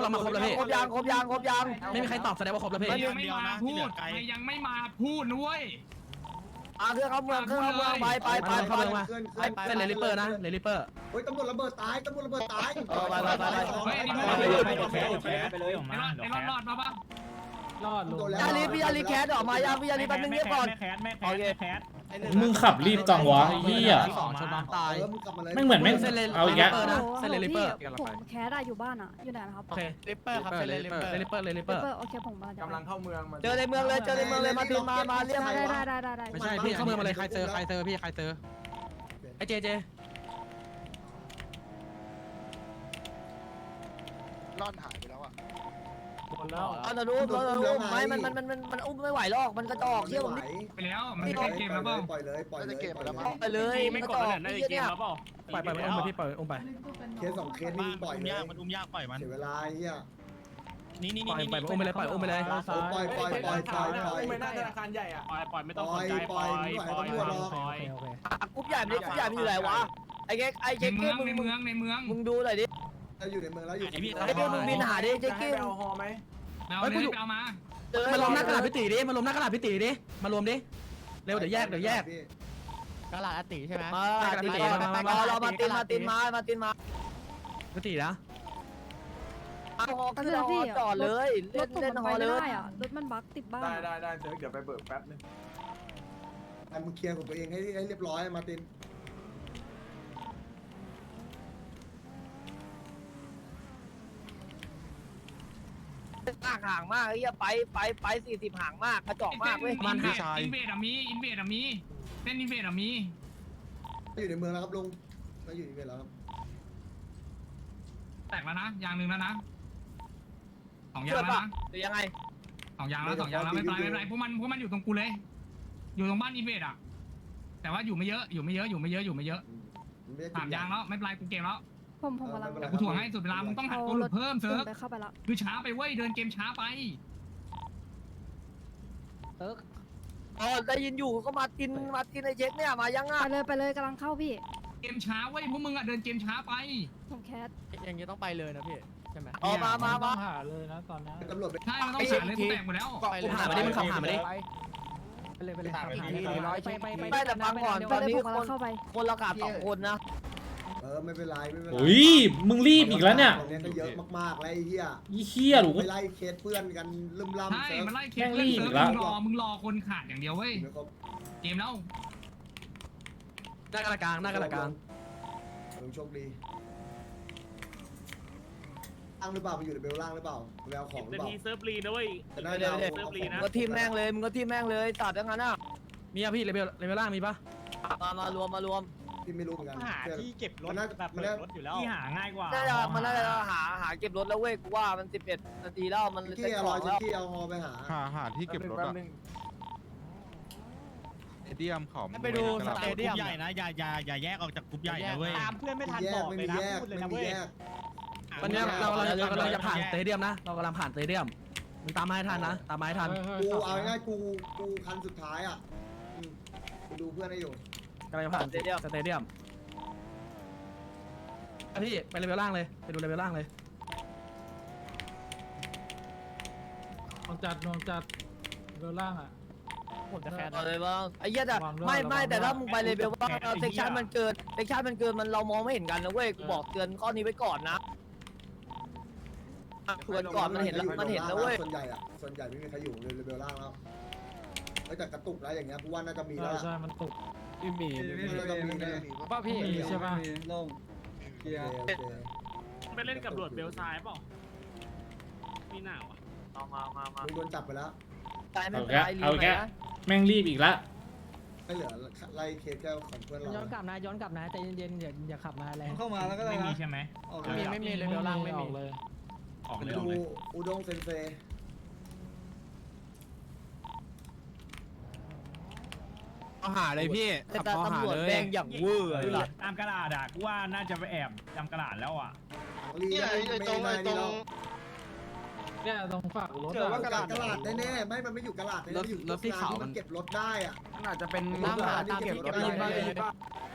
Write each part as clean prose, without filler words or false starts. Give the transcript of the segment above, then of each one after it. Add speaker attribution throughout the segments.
Speaker 1: ต้องมาครบแล้วพี่
Speaker 2: ครบยัง
Speaker 1: ไม่มีใครตอบแสดงว่าครบแล้วพี่
Speaker 3: ยังไม่มาพูดยังไม่มาพูดนุ้ย
Speaker 2: เครื่องเข้าเมืองไป
Speaker 1: เส้นเลลิเปอร์นะเลลิเปอร์
Speaker 4: เฮ้ยตำรวจระเบิดตายไป
Speaker 3: เฮ้ยนี่พูด
Speaker 5: ไปเลยออกมา
Speaker 3: ไอ้รอดมาปะ
Speaker 5: รอดลุง
Speaker 2: พี่อาลีแคสออกมายังพี่อาลีแป๊บนึงเงียบก่อน
Speaker 5: แคส
Speaker 6: มึงขับรีบจังวะไอ้เหี้ย
Speaker 1: ชนน้ำตาย
Speaker 6: ไม่เหมือนไม่
Speaker 1: เส้นเล
Speaker 6: เอาอีกแล้ว
Speaker 1: นะเส้นเลลิเปอร์
Speaker 7: ผมแคสได้อยู่บ้านอ่ะอยู่ไหนนะครับ
Speaker 1: โอเคเลลิเปอร์ครับเลลิเปอร์เลลิเปอร์เลลิเปอร์
Speaker 7: โอเคผมมา
Speaker 8: กำลังเข้าเมือง
Speaker 2: เจอในเมืองเลยมาตีมาเรียก
Speaker 7: ได้
Speaker 1: ไม่ใช่พี่เข้าเมืองมาเลยใครเจอพี่ใครเจอไอ้เจ
Speaker 8: ร่อนหายไปแล้วอ่ะ
Speaker 5: หมดแล้ว
Speaker 2: เราดูไม่มันอุ้มไม่ไหวหรอกมันกระจอกเชี่ยวผม
Speaker 3: ไปแล้วมันไม่เกมแล้วเปล่า
Speaker 4: ปล่อยเลย
Speaker 2: ไปเลยมันกระจอกนี่เนี่ย
Speaker 1: ปล่อยมันอุ้มไปพี่ปล่อยอุ้มไป
Speaker 4: เคส2เคสนี่ปล่อยเลย
Speaker 5: มันอุ้มยากปล่อยมัน
Speaker 4: เสียเวลาเฮีย
Speaker 5: นี่
Speaker 1: ปล่อยอุ้มไปเลยปล่อยอุ้มไปเลย
Speaker 4: ปล่อย
Speaker 8: ไม่น่าธนาคารใหญ่อ่ะ
Speaker 5: ปล่อยไม่ต้องสนใจปล่อย
Speaker 2: กรุ๊ปใหญ่มันอยู่ไหนวะไอ้เจ๊กี้มึงดูหน่อยดิ
Speaker 4: ถ้าอยู่ในเมืองแล้วอยู่
Speaker 2: ไอ้กี้มึงบินหาดิเจ๊กี้
Speaker 8: เอาฮอไหม
Speaker 3: เอาเลยเอามา
Speaker 1: มาล้มหน้ากระดาษพิตีดิมารวมหน้ากระดาษพิตีดิมารวมดิเร็วเดี๋ยวแยก
Speaker 2: กระลาอติใช่ไหมเรามาตินมา
Speaker 1: พิตีนะ
Speaker 2: ขึ้นฮอจอดเลยเล่นฮอเลย
Speaker 7: รถมันบั๊กติดบ้าน
Speaker 8: ได้เซิร์ฟเดี๋ยวไปเบิกแป๊บนึง
Speaker 4: มึงเคลียร์ของตัวเองให้เรียบร้อยมาติน
Speaker 2: ห่างมากไอ้เหี้ยไป40ห่างมากกระจอกมากเว้ย
Speaker 3: อินเวดมีเส้นอินเวดมี
Speaker 4: อยู่ในเมืองแล้วครับลุงเราอยู่ในเมืองแล้วครับ
Speaker 3: แตกแล้วนะอย่างหนึ่งแล้วนะ2อย่างแล้วนะ
Speaker 2: หรือยังไง
Speaker 3: 2อย่างแล้วไม่เป็นไรพวกมันอยู่ตรงกูเลยอยู่ตรงบ้านอินเวดอ่ะแต่ว่าอยู่ไม่เยอะ3อย่างแล้วไม่เป็นไรกูเกมแล้ว
Speaker 7: ผมกำลัง
Speaker 3: กูถ่วงให้สุดเวลามึงต้องหัดตัวหลุดเพิ่มเซิร์ฟ
Speaker 7: ไปเข้าไปแล้ว
Speaker 3: คือช้าไปเว้ยเดินเกมช้าไป
Speaker 2: ได้ยินอยู่ก็มาตินไอ้เช็คเนี่ยมายังอ่ะ
Speaker 7: ไปเลยกำลังเข้าพี่
Speaker 3: เกมช้าเว้ยพวกมึงอ่ะเดินเกมช้าไป
Speaker 7: ผมแคส
Speaker 2: อย่างนี้ต้องไปเลยนะพี่ใช่ไหมมา
Speaker 5: หาเลยนะตอนนี้
Speaker 4: ตำรวจไป
Speaker 3: ใช่มันต้องผ่านเลยกูแตกหมดแล้ว
Speaker 1: กูผ่านมาดิมันขับผ่านมาดิ
Speaker 2: ไม่แต่ฟังก่อนตอนนี้
Speaker 7: ผมกำลังเข้าไป
Speaker 2: คนละขาด2คนนะ
Speaker 4: ไม่เป็นไร
Speaker 6: อุ้ยมึงรีบอีกแล้วเนี่ย
Speaker 4: ตรงนี้ก็เยอะมากๆแล้วไอ้เหี้ย
Speaker 6: ยี่เหี้ยหรือ
Speaker 4: ไปไล่เคสเพื่อนกันลืมล่ำ
Speaker 3: ใช่
Speaker 4: เซิร์ฟ
Speaker 3: มันไล่เคสเล่นเซิร์ฟมึงรอคนขาดอย่างเดียวเว้ยเกมแล้ว
Speaker 1: หน้ากระดาษกลาง
Speaker 4: ลุงโชคดีล่างหรือเปล่าไปอยู่ในเบลล่างหรือเปล่าไปเอาของหรือเปล่า
Speaker 5: เซิร์ฟรีนะเว้ย
Speaker 4: จะได้เอา
Speaker 2: มึงก็ทีมแม่งเลยตัดทั้งนั้นอ่ะ
Speaker 1: มีอะพี่เลเวลล่างมีปะ
Speaker 2: มารวม
Speaker 4: ที่ไม่รู้เหมือนกัน
Speaker 5: หาที่เก็บรถ
Speaker 4: แบบเปิดรถอยู่แล้ว
Speaker 5: ที่หาง่ายกว่า
Speaker 2: น่าจะหาเก็บรถแล้วเว้ยกูว่ามัน11นาทีแล้วมัน
Speaker 4: ที่เอาที่เอาฮอไปหา
Speaker 8: ที่เก็บรถอะสเตเดียมเขา
Speaker 5: ไปดูสเตเดียมใหญ่นะอย่าแยกออกจากกลุ่มใหญ่นะเว้ยตามเพื่อนไม่ทันบอกเลยนะพูดเลยนะเว้ย
Speaker 1: ตอนนี้เรากำลังจะผ่านสเตเดียมนะเรากำลังผ่านสเตเดียมมึงตามมาให้ทันนะตามมาให้ทัน
Speaker 4: กูเอาง่ายกูคันสุดท้ายอ่ะกูดูเพื่อนให้อยู่
Speaker 1: กำลังจะผ่านสเตเดียมพี่ไปเลเวลล่างเลยไปดูเลเวลล่างเลย
Speaker 5: นองจัดเบลล่างอ่ะ
Speaker 2: ผมจะแคสอะไรบ้างไอ้เหี้ยแต่ไม่แต่ถ้ามึงไปเลยเบลว่าเซ็กชันมันเกินมันเรามองไม่เห็นกันนะเว้ยกูบอกเตือนข้อนี้ไว้ก่อนนะส่วนก่อนมันเห็นแล้วเว้ย
Speaker 4: ส่วนใหญ่ไม่มีใครอยู่เลยเบลล่างแล้วแต่กระตุกแล้วอย่างเงี้ยกูว่าน่าจะมีแล้ว
Speaker 5: ใช่มันตก
Speaker 4: มี
Speaker 2: ป้าพี่
Speaker 5: มีใช่ป่ะ
Speaker 4: ลงเคลียร์
Speaker 5: ไปเล่นกับหลวดเบลซ้ายเปล่ามีหนาวอ่ะ
Speaker 2: เอามา
Speaker 4: มึงโดนจับไปแล้ว
Speaker 6: เอาแกแม่งรีบอีกละ
Speaker 4: ไม่เหลือไล่เคสแก้วของเพื่อนเรา
Speaker 2: ย้อนกลับนะใจเย็นๆอย่าขับมาแรง
Speaker 8: เข้ามาแล้วก็ได้
Speaker 3: ไม่มีใช่ไหม
Speaker 2: ไม่มีเลยเบลล่างไม่มีเลย
Speaker 3: ออกเลย
Speaker 4: ดูอุด้งเซนเซ
Speaker 8: เอาหาเลยพี่
Speaker 2: แต่ตำรวจแดงอย่างเวอร์เลย
Speaker 5: ตามกระดาษอ่ะกูว่าน่าจะไปแอบจำกระดาษแล้วอ่ะ
Speaker 4: นี่ไอ้ตรง
Speaker 5: เนี่ยตรงฝากรถ
Speaker 4: เจอว่ากระดาษแน่ๆไม่มันไม่อยู่กระดาษเลยอยู่รถที่เขามันเก็บรถได้อ่ะ
Speaker 8: อาจจะเป็น
Speaker 4: ตามเก็บรถได้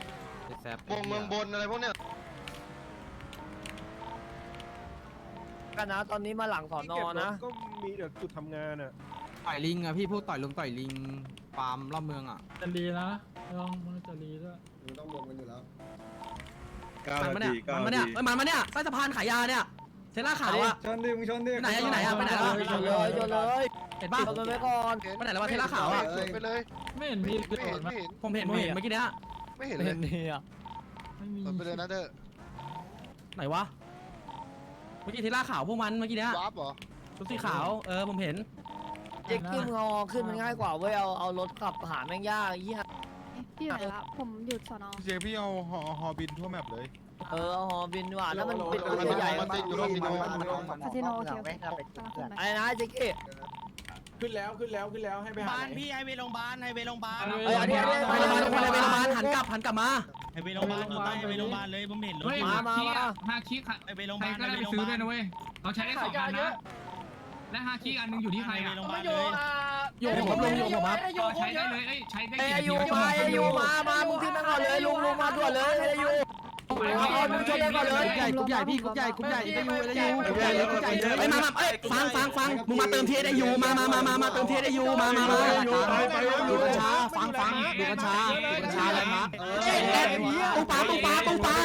Speaker 8: วงเมืองบนอะไรพวกเนี้ย
Speaker 2: กันนะตอนนี้มาหลังสอนอนะ
Speaker 8: ก็มีเดี๋ยวจุดทำงานอ่ะต่อยลิงอ่ะพี่พูดต่อยลุงต่อยลิงฟาร์มรอบเมืองอ่ะ
Speaker 5: จะรีนะลองมันจะรีด้วย
Speaker 4: มึงต้องรวมกันอยู่แล้ว
Speaker 1: มันมาเนี่ยมันมาเนี่ยใต้สะพานขายยาเนี่ยเซล่าขาวอะ
Speaker 8: ชนดิมึงชนดิ
Speaker 1: อยู่ไหนอะไปไหนแล้ว
Speaker 2: โยนเลยโยนเลย
Speaker 1: เห็นป่ะ
Speaker 2: โยนไปก่อน
Speaker 1: ไปไหนแล้ววะเทล่าขาวอะ
Speaker 9: ไปเลย
Speaker 5: ไม่เห็นมีกระโดดมา
Speaker 1: ผมเห็นเมื่อกี้เนี้ย
Speaker 9: ไม่เห็น
Speaker 2: ไม่
Speaker 9: เล
Speaker 2: เห็
Speaker 9: ย
Speaker 2: นนี่อ่ะ
Speaker 5: ไม่มี
Speaker 9: ไปเลยนะเด้อ
Speaker 1: ไหนวะเมื่อกี้เทล่าขาวพวกมันเมื่อกี้เนี้ยว
Speaker 9: าร์ปเหรอ
Speaker 1: ชุดสีขาวผมเห็น
Speaker 2: เจ๊ขึ้นงอขึ้นมันง่ายกว่าเว้ยเอารถขับหาแม่งยากยี่ห้
Speaker 7: พี่อยู่ไหนละผมอยู่สอนอ
Speaker 8: เจพี่เอาฮอบินทั่วแมปเลย
Speaker 2: เอาหอบินว่ะแล้วมันเป็นรถใหญ่
Speaker 7: คาสิโนโอเคกำลังขึ้นไป
Speaker 2: ไอ้นะเจ๊กี้
Speaker 8: ขึ้นแล้วให้ไปหา
Speaker 5: บ้านพี่ไฮเวย์โรงพยาบาลไฮเวย์โรงพยาบาล
Speaker 1: ไปโรงพยาบาลหันกลับมา
Speaker 5: ไฮเวย์โรงพยาบาลต่อไปไฮเวย์โรงพยาบาลเลยผมเห็นรถ
Speaker 3: เฮ้ย
Speaker 2: มา
Speaker 3: ฮาคิค่ะ
Speaker 5: ไฮเวย์โรงพ
Speaker 3: ใคร
Speaker 5: ยาบาล
Speaker 3: ก็ได้ไปซื้อด้วยนะเว้ยเราใช้ได้2 อันนะและฮาคิอันนึงอยู่ที่ใคร
Speaker 5: ไฮเว
Speaker 3: อ่ะ
Speaker 5: ย์โรงพยาบาลเลย
Speaker 1: อยู่ผมลงอยู่ผมครับ
Speaker 3: ใช้ได้เลยใช้ได้
Speaker 2: ไอ้
Speaker 3: กี่
Speaker 2: ยู
Speaker 3: นาที
Speaker 2: มาไอ้ยูมามึงขึ้นมาก่อนเลยลุงมาด่วนเลยไอ้ยูมึงช่วยได้ก่อนเลย
Speaker 1: กรุ๊ปใหญ่พี่กรุ๊ปใหญ่ได้ยูไอ้มาฟังมึงมาเติมเทียได้ยูมาเติมเทียได้ยูมาดูกัญชาฟังดูกัญชาอะไรมาตู้ปลาตู้ปลา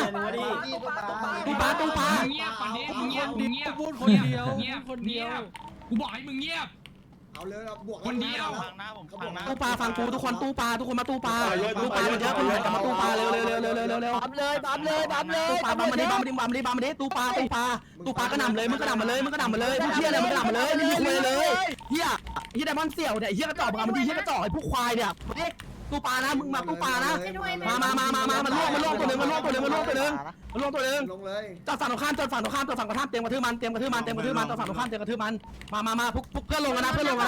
Speaker 3: เงียบปันนี้มึงเงียบพูดคนเดียวเงียบกูบอกให้มึงเงียบ
Speaker 4: เอาเลยเราบวก
Speaker 5: ฟังนะผมฟังนะ
Speaker 1: ตู้ปลาฟังกูทุกคนตู้ปลามาตู้ปลามันเยอะคุณหันกลับมาตู้ปลาเร็ว
Speaker 2: บัมเลย
Speaker 1: ตู้ปลาบัมมาดิตู้ปลาก็นำเลยมึงก็นำมาเลยพวกเชี่ยอะไรมึงก็นำมาเลยไม่มีคุยเลยเฮียไดมอนเสี่ยวเนี่ยเฮียกระจอกมันดีเฮียกระจอกไอ้พวกควายเนี่ยตู้ปลานะมึงมาตู้ปลานะมันล่วงตัวนึง
Speaker 4: ลงเลย
Speaker 1: จอดฝั่งตรงข้ามเตรียมกระทืบมันจอดฝั่งตรงข้ามเตรียมกระทืบมันมาพวกเพื่อนลงกันนะ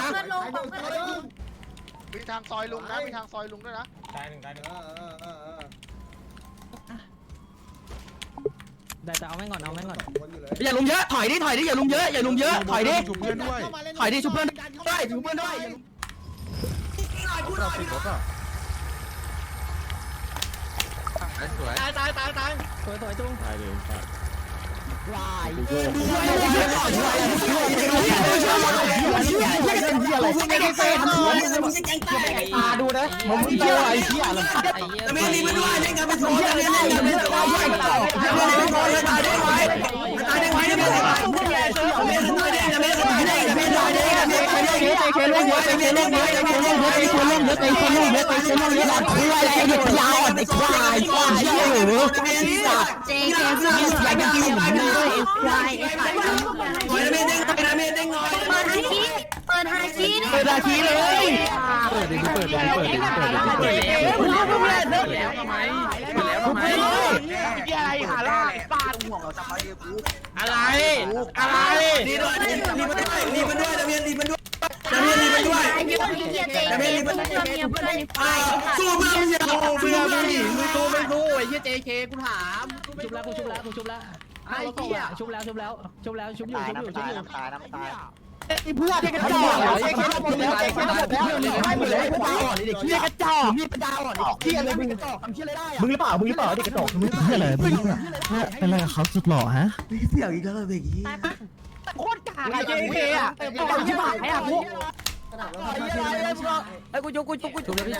Speaker 9: มีทางซอยลุงนะมีทางซอยลุงด้วยนะ
Speaker 2: ได้แต่เอาแม่งก่อน
Speaker 4: คนอยู่เลย
Speaker 1: อย่าลุมเยอะถอยดิอย่าลุมเยอะถอยดิ
Speaker 8: ชุบเพื่อนด้วย
Speaker 1: ชุบเพื่อนด้วย
Speaker 8: สวย
Speaker 2: สวยจุ้ง
Speaker 1: ดูนะผมเชื่อไอ้เหี้ยไม่รีบด้วยเล่นกันไปโซ่เล่นกันไปโซ่ตายได้ไว้เปิดเลยอะไรดีด้วยดีมันด้วยนะเมียดีมันด้วยสู้เพื่อนอย่าเพื่อนมึงสู้ไม่สู้ไอ้เหี้ย JK กูถามชุบแล้วไอ้เหี้ยชุบอยู่ไอ้พวกกระจอกไอ้เหี้ยหมดแล้วให้หมดเลยตาอ่อนเด็กเหี้ยกระจอกมีปัญญาอ่อนเหี้ยอะไรมึงกระจอกทำเหี้ยอะไรได้อะมึงหรือเปล่าเด็กกระจอกมึงเหี้ยอะไรมึงเป็นอะไรกับเขาสุดหล่อฮะเสี่ยวอีกแล้วเด็กเหี้ยโคตรกากไอ้ JK อ่ะบอกชิบหายอ่ะพวกไอ้กูชุบแล้วพี่ชุบนี่ไง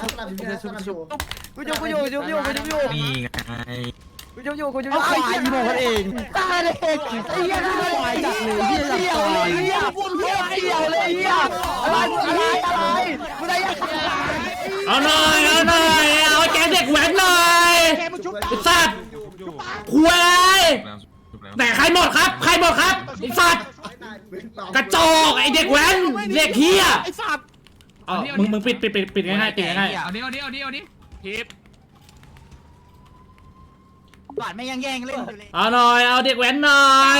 Speaker 1: กูเอาควายอีโมกันเองตายเลยไอ้เหี้ยกูควายจัดเลยเหี้ยเลยเหี้ยพูดเหี้ยเลยเหี้ยอะไรกูได้ยัง
Speaker 6: เอาหน่อยเอาแกเด็กแว้นหน่อยสัตว์คุยแต่ใครหมดครับไอ้สัตว์กระจอกไอ้เด็กแว้นเด็กเฮียไอ้สัตว์มึงปิดง่ายๆ
Speaker 3: เอาดิทิป
Speaker 2: หวานไม่ยังแย่งเล่นอยู่เลย
Speaker 6: เอาหน่อยเอาเด็กแว้นหน่อย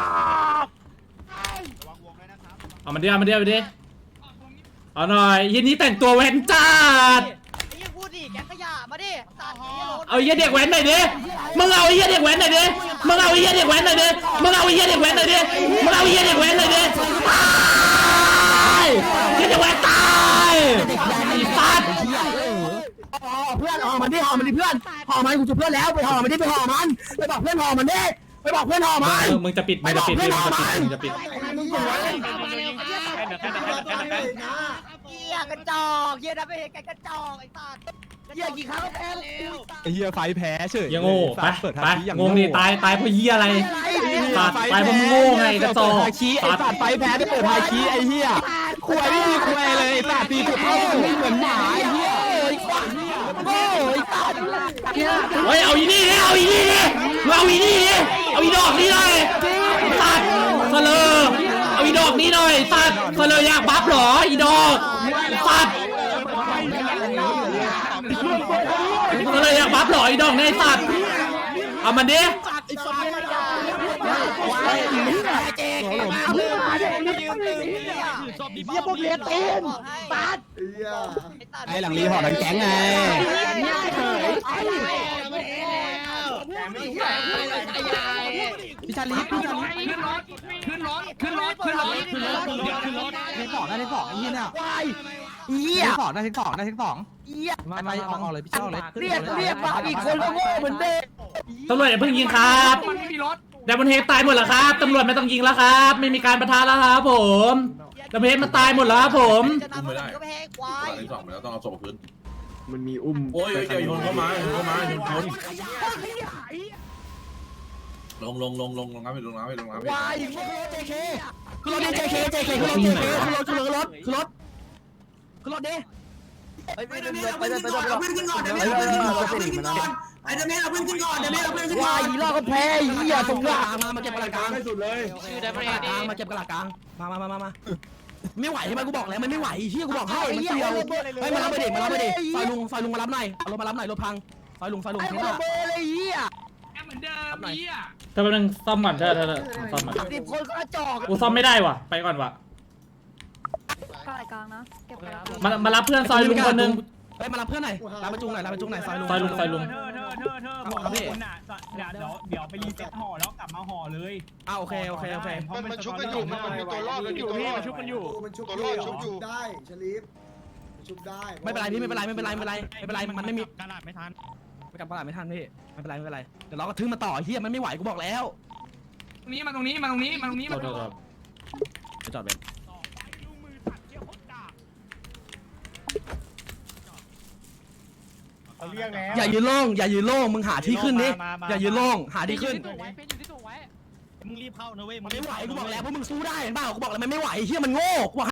Speaker 6: เอามันดิเอาหน่อยยินนี้แต่งตัวแว้นจัด
Speaker 2: พูดดิแกขยะมาดิตัด
Speaker 6: เอาไอ้เด็กแว้นหน่อยดิมึงเอาไอ้เด็กแว้นหน่อยดิตายไอ้เด็กแว้นตายไอ้สัตว์
Speaker 1: เพื่อนห่อมันดิเพื่อนห่อมันกูจุเพื่อนแล้วไปห่อมันดิไปห่อมันไปบอกเพื่อนห่อมันดิไปบอกเพื่อนห่อมัน
Speaker 6: มึงจะปิดมึงจะปิดมึงจะปิด
Speaker 2: เหี้ยกระจอกเหี้ยนะไม่เห็นกระจอกไอ้สัตว์เหี้ยกี่ครั้งก็แพ้แล้ว
Speaker 8: ไอ้เหี้ยไฟแพ้เฉย
Speaker 6: ยังโง่ไปไปงงดิตายเพราะเหี้ยอะไรสัตว์ตายเพราะมึงโง่ไงกระจอกสัตว์
Speaker 8: ไฟแพ้ได้เปิดไฮคีไอ้เหี้ยควยไม่มีควยเลยสัตว์ตีถูกเข้าไม่เหมือนหมาไอ้เหี้ย
Speaker 6: เฮ้ยเอาอีนี่ดิเอาอีนี่ดิเอาอีนี่ดิเอาอีดอกนี้หน่อยสัตว์เสลอเอาอีดอกนี้หน่อยสัตว์เสลออยากบัฟหรออีดอกสัตว์เสลออยากบัฟหรออีดอกในสัตว์เอามันดิ
Speaker 1: เหี้ยพวกเลี้ยตีนปัด
Speaker 8: ไอ้หลังรีห่อทั้งแก๊งไง
Speaker 1: พี่ชาลีพี่ชาลี
Speaker 3: ขึ้นรถ
Speaker 8: ได้สองได้สองไอ้เหี้ยเนี่ย
Speaker 2: เหี้ย
Speaker 8: ได้สองได้สองได้สอง
Speaker 2: เหี้ย
Speaker 8: มาออกเลยพี่เจ้าเลย
Speaker 2: เรียกมาอีกคนก็โง่เหมือนเดิม
Speaker 6: ตำรวจอย่าเพิ่งยิงครับ
Speaker 3: มันไม่มีรถ
Speaker 6: แต่บนเฮดตายหมดแล้วครับตำรวจไม่ต้องยิงแล้วครับไม่มีการปะทะแล้วครับผมแต่บนเฮดมันตายหมดแล้วครับผม
Speaker 2: จะทำอะไรก็แพ้ควาย
Speaker 10: ที่สองแล้วต้องเอาศพพื้น
Speaker 8: มันมีอุ้ม
Speaker 10: โอ้ยอย่าโยนเข้ามาโยนเข้ามาโยนคนลงน้ำไปลงน้ำไปลงน้ำไป
Speaker 1: วายคือรถเจเคคือรถคือรถคือรถดิ
Speaker 2: ไปเพื่อนขึ้นก่อนเดี๋ยวเพื่อนขึ้นก่อนไอ้เดี๋ยวแม่เราเพื่อนขึ้นก่อนวายอีล่าก็แพ้เหี้ยสงสาร
Speaker 1: มาเก็บกระดาษกลาง
Speaker 10: สุดเลย
Speaker 2: ชื่อได้ประเด็น
Speaker 1: มาเก็บกระดาษกลางมาไม่ไหวใช่ไหมกูบอกแล้วมันไม่ไหวเชี่ยกูบอกให้มันเสียวเฮ้ยมารับไปดิซอยลุงมารับหน่อยเอารถมารับหน่อยรถพังซอยลุง
Speaker 2: ไอ้
Speaker 1: เท่า
Speaker 2: คน
Speaker 1: ไหร่
Speaker 2: เบอร์เลยเหี้ย
Speaker 3: เหมือนเดิมเหี้ย
Speaker 6: ถ้าเป็นงซ่อมก่อนเธอซ่อมก่อน
Speaker 2: 10 คนก็กระจอก
Speaker 6: กูซ่อมไม่ได้ว่ะไปก่อนว่ะ
Speaker 7: กลางกลางนะเก็บกระดาษ
Speaker 6: มารับเพื่อนซอยลุงคนนึง
Speaker 1: เฮ้ยมารับเพื่อนหน่อยรับประจุหน่อยซอยลุง
Speaker 6: ซอยลุง
Speaker 5: บอกคุณอ่ะเดี๋ยวไปรีเซ็ตห่อแล้วกลับมาห่อเลย
Speaker 1: โอเค
Speaker 9: มันชุบกันอยู่มันมีตัวรอดมันมีตัวรอด
Speaker 5: ชุบกันอยู่
Speaker 4: มันชุบได้ชลีฟชุบได้
Speaker 1: ไม่เป็นไรพี่ไม่เป็นไรมันไม่มี
Speaker 5: กระดาษไม่ทัน
Speaker 1: ไปกลับตลาดไม่ทันพี่ไม่เป็นไรเดี๋ยวเราก็ทึ่งมาต่อเฮียมันไม่ไหวกูบอกแล้ว
Speaker 3: ตรงนี้มาตรงนี้
Speaker 1: ไปจอดเบนอย่ายืนโล่งมึงหาที่ขึ้นดิอย่ายืนโล่งหาที่ขึ้น
Speaker 5: มึงรีบเข้านะเว้ย
Speaker 1: มันไม่ไหวกูบอกแล้วพวกมึงสู้ได้เห็นเปล่ากูบอกแล้วมันไม่ไหวเฮียมันโง่